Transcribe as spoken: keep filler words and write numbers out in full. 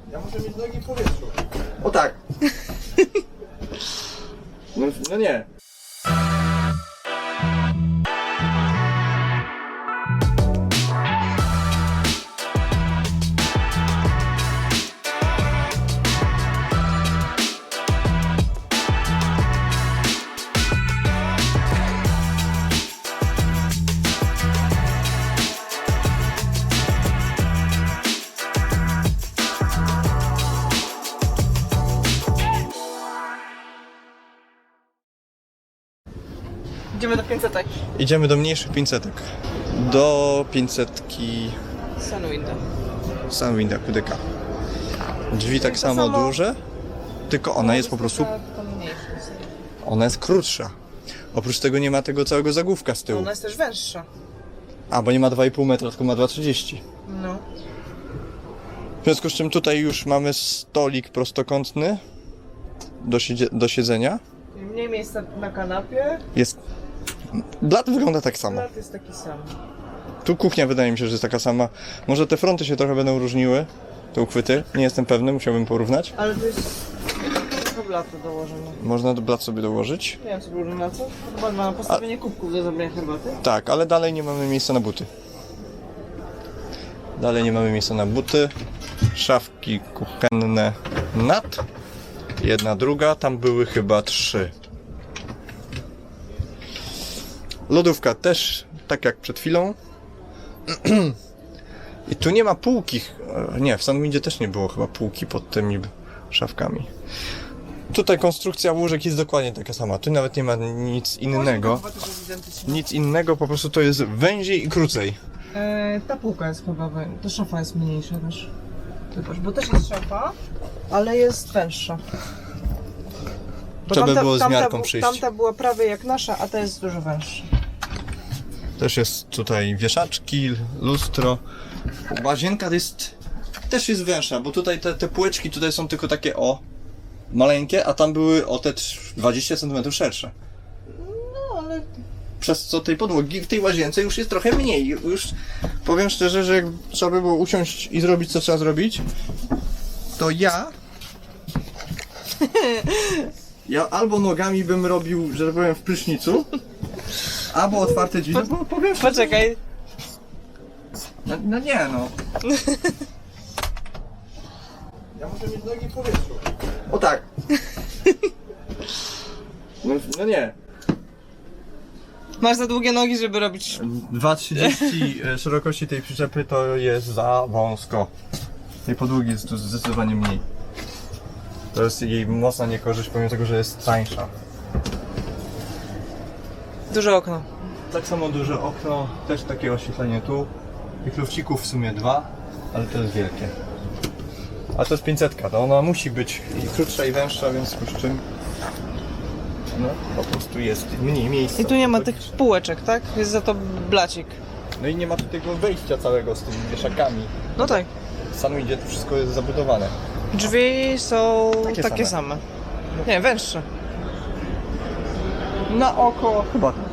Ja muszę mieć nogi w powietrzu. O tak. No, no nie. Idziemy do pięćsetek. Idziemy do mniejszych pięćsetek. Do pięćsetki Sunwinda. Sunwinda Kudyka. Drzwi tak to samo, samo duże, tylko ona jest po prostu... Ona jest krótsza. Oprócz tego nie ma tego całego zagłówka z tyłu. Ona jest też węższa. A, bo nie ma dwa i pół metra, tylko ma dwa trzydzieści. No. W związku z czym tutaj już mamy stolik prostokątny do, siedzie- do siedzenia. Mniej miejsca na kanapie. Jest... Blat wygląda tak samo. Blat jest taki sam. Tu kuchnia wydaje mi się, że jest taka sama. Może te fronty się trochę będą różniły, te uchwyty. Nie jestem pewny, musiałbym porównać. Ale to jest trochę blatu dołożone. Można do blat sobie dołożyć. Nie wiem co było na co. Chyba na postawienie kubków do zrobienia herbaty. Tak, ale dalej nie mamy miejsca na buty. Dalej nie mamy miejsca na buty. Szafki kuchenne nad. Jedna, druga. Tam były chyba trzy. Lodówka też, tak jak przed chwilą. I tu nie ma półki. Nie, w Sunwindzie też nie było chyba półki pod tymi szafkami. Tutaj konstrukcja łóżek jest dokładnie taka sama. Tu nawet nie ma nic innego. Chyba to jest identyczne. Nic innego, po prostu to jest węziej i krócej. E, ta półka jest chyba wę... Ta szafa jest mniejsza też. Zobacz, bo też jest szafa, ale jest węższa. Bo Trzeba by tamta- było z tamta miarką bu- przyjść. Tamta była prawie jak nasza, a ta jest dużo węższa. Też jest tutaj wieszaczki, lustro. Łazienka jest... też jest węższa, bo tutaj te, te półeczki tutaj są tylko takie o... maleńkie, a tam były o te dwadzieścia centymetrów szersze. No, ale... Przez co tej podłogi w tej łazience już jest trochę mniej. Już powiem szczerze, że jak trzeba by było usiąść i zrobić co trzeba zrobić, to ja... Ja albo nogami bym robił, że tak powiem, w prysznicu, albo otwarte drzwi. No, bo powiem szczerze, Poczekaj. no, no nie no. Ja muszę mieć nogi w powietrzu. O tak. No, no nie. Masz za długie nogi, żeby robić... dwa trzydzieści szerokości tej przyczepy to jest za wąsko. Tej podłogi jest tu zdecydowanie mniej. To jest jej mocna niekorzyść, pomimo tego, że jest tańsza. Duże okno. Tak samo duże okno, też takie oświetlenie tu. Tych lufcików w sumie dwa, ale to jest wielkie. A to jest pięćsetka, to ona musi być i krótsza i węższa, więc z czym no po prostu jest mniej miejsca. I tu nie ma tych półeczek, tak? Jest za to blacik. No i nie ma tu tego wejścia całego z tymi wieszakami. No tak. W Sunwindzie to wszystko jest zabudowane. Drzwi są Takie takie, same. same. Nie, węższe. Na oko chyba